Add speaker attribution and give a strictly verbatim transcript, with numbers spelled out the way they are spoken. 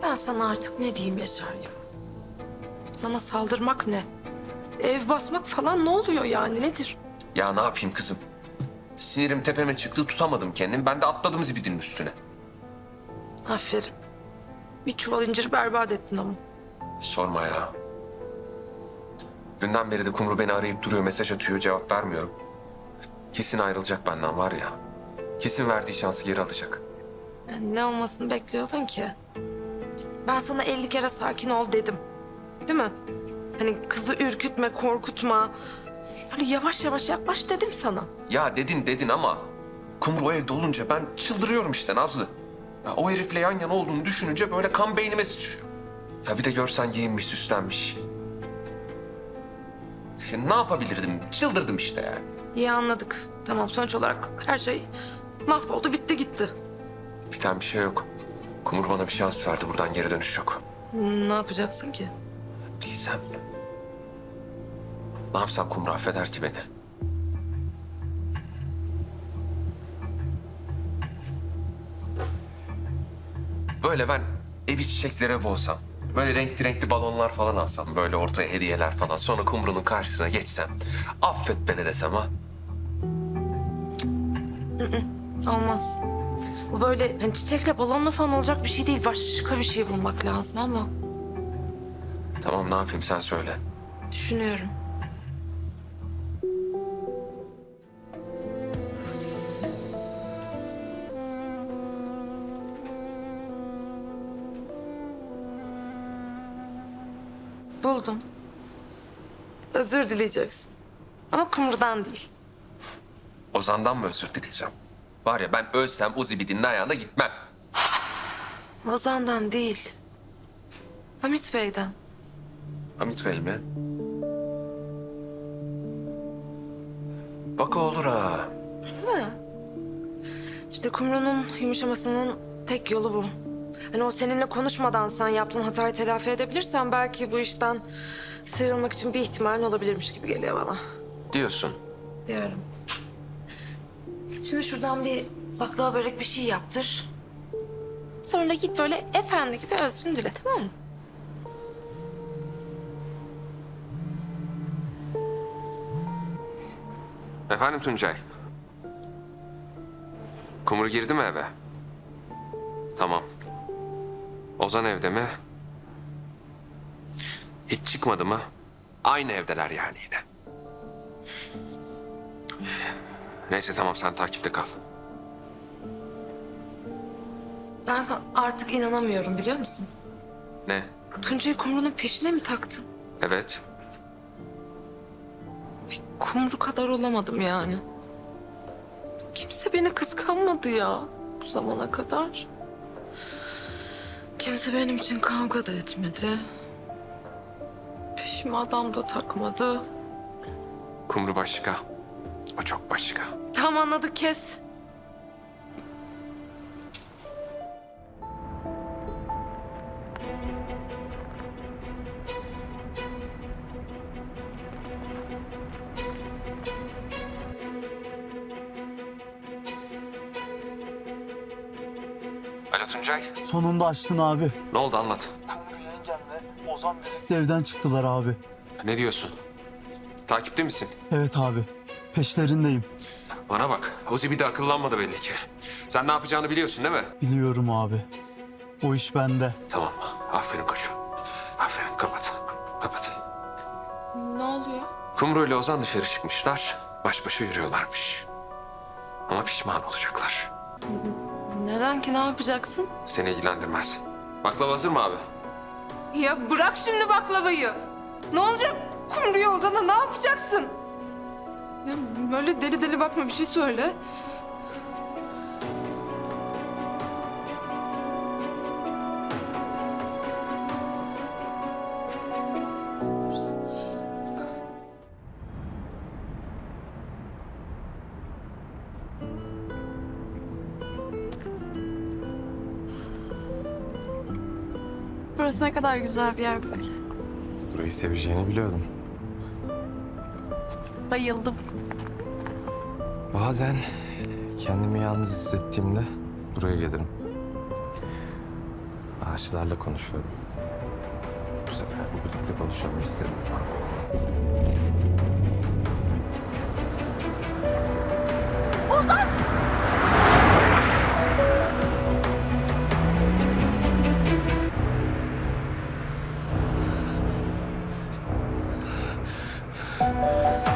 Speaker 1: Ben sana artık ne diyeyim Yaşar ya? Sana saldırmak ne? Ev basmak falan ne oluyor yani nedir?
Speaker 2: Ya ne yapayım kızım? Sinirim tepeme çıktı, tutamadım kendimi. Ben de atladım zibidinin üstüne.
Speaker 1: Aferin. Bir çuval incir berbat ettin ama.
Speaker 2: Sorma ya. Dünden beri de Kumru beni arayıp duruyor, mesaj atıyor, cevap vermiyorum. Kesin ayrılacak benden var ya. Kesin verdiği şansı geri alacak.
Speaker 1: Yani ne olmasını bekliyordun ki? Ben sana elli kere sakin ol dedim. Değil mi? Hani kızı ürkütme, korkutma. Hani yavaş yavaş yaklaş dedim sana.
Speaker 2: Ya dedin dedin ama Kumru o evde olunca ben çıldırıyorum işte Nazlı. Ya o herifle yan yana olduğunu düşününce böyle kan beynime sıçrıyor. Ya bir de görsen giyinmiş, süslenmiş. Ya ne yapabilirdim? Çıldırdım işte yani.
Speaker 1: İyi anladık. Tamam sonuç olarak her şey mahvoldu, bitti gitti.
Speaker 2: Biten bir şey yok. Kumru bana bir şans verdi. Buradan geri dönüş yok.
Speaker 1: Ne yapacaksın ki?
Speaker 2: Bilsem. Ne yapsam Kumru affeder ki beni? Böyle ben evi çiçeklere boğsam. Böyle renkli renkli balonlar falan alsam. Böyle ortaya hediyeler falan. Sonra Kumru'nun karşısına geçsem. Affet beni desem ha.
Speaker 1: Olmaz. Bu böyle hani çiçekle balonla falan olacak bir şey değil. Başka bir şey bulmak lazım ama
Speaker 2: Tamam ne yapayım sen söyle.
Speaker 1: düşünüyorum. Buldum. Özür dileyeceksin. Ama Kumru'dan değil.
Speaker 2: Ozan'dan mı özür dileyeceğim? Var ya ben ölsem o zibidinin ayağına gitmem.
Speaker 1: Ozan'dan değil. Hamit Bey'den.
Speaker 2: Hamit Bey mi? Bak o olur ha.
Speaker 1: Değil mi? İşte Kumru'nun yumuşamasının tek yolu bu. Hani o seninle konuşmadan sen yaptığın hatayı telafi edebilirsen belki bu işten sıyrılmak için bir ihtimalin olabilirmiş gibi geliyor bana.
Speaker 2: Diyorsun.
Speaker 1: Diyorum. Şimdi şuradan bir baklava börek bir şey yaptır. Sonra da git böyle efendi gibi özrünü dile, tamam mı?
Speaker 2: Efendim Tuncay. Kumru girdi mi eve? Tamam. Ozan evde mi? Hiç çıkmadı mı? Aynı evdeler yani yine. Neyse tamam sen takipte kal.
Speaker 1: Ben sana artık inanamıyorum biliyor musun?
Speaker 2: Ne?
Speaker 1: Tuncay'ı Kumru'nun peşine mi taktın?
Speaker 2: Evet.
Speaker 1: Bir Kumru kadar olamadım yani. Kimse beni kıskanmadı ya bu zamana kadar. Kimse benim için kavga da etmedi. Peşime adam da takmadı.
Speaker 2: Kumru başka. O çok başka.
Speaker 1: Tamam anladık, kes.
Speaker 2: Alo Tuncay.
Speaker 3: Sonunda açtın abi.
Speaker 2: Ne oldu anlat.
Speaker 3: Kumru yengemle Ozan birlikte evden çıktılar abi.
Speaker 2: Ne diyorsun? Takipte misin?
Speaker 3: Evet abi. Peşlerindeyim.
Speaker 2: Bana bak. Ozi bir de akıllanmadı belli ki. Sen ne yapacağını biliyorsun değil mi?
Speaker 3: Biliyorum abi. O iş bende.
Speaker 2: Tamam. Aferin koçum. Aferin. Kapat. Kapat.
Speaker 1: Ne oluyor?
Speaker 2: Kumru ile Ozan dışarı çıkmışlar. Baş başa yürüyorlarmış. Ama pişman olacaklar.
Speaker 1: Neden ki, ne yapacaksın?
Speaker 2: Seni ilgilendirmez. Baklava hazır mı abi?
Speaker 1: Ya bırak şimdi baklavayı. Ne olacak Kumru'ya, Ozan'a ne yapacaksın? Ya böyle deli deli bakma, bir şey söyle.
Speaker 4: Burası ne kadar güzel bir yer böyle.
Speaker 5: Burayı seveceğini biliyordum.
Speaker 4: Bayıldım.
Speaker 5: Bazen kendimi yalnız hissettiğimde buraya gelirim. Ağaçlarla konuşuyorum. Bu sefer de birlikte konuşalım istedim.
Speaker 2: Ozan!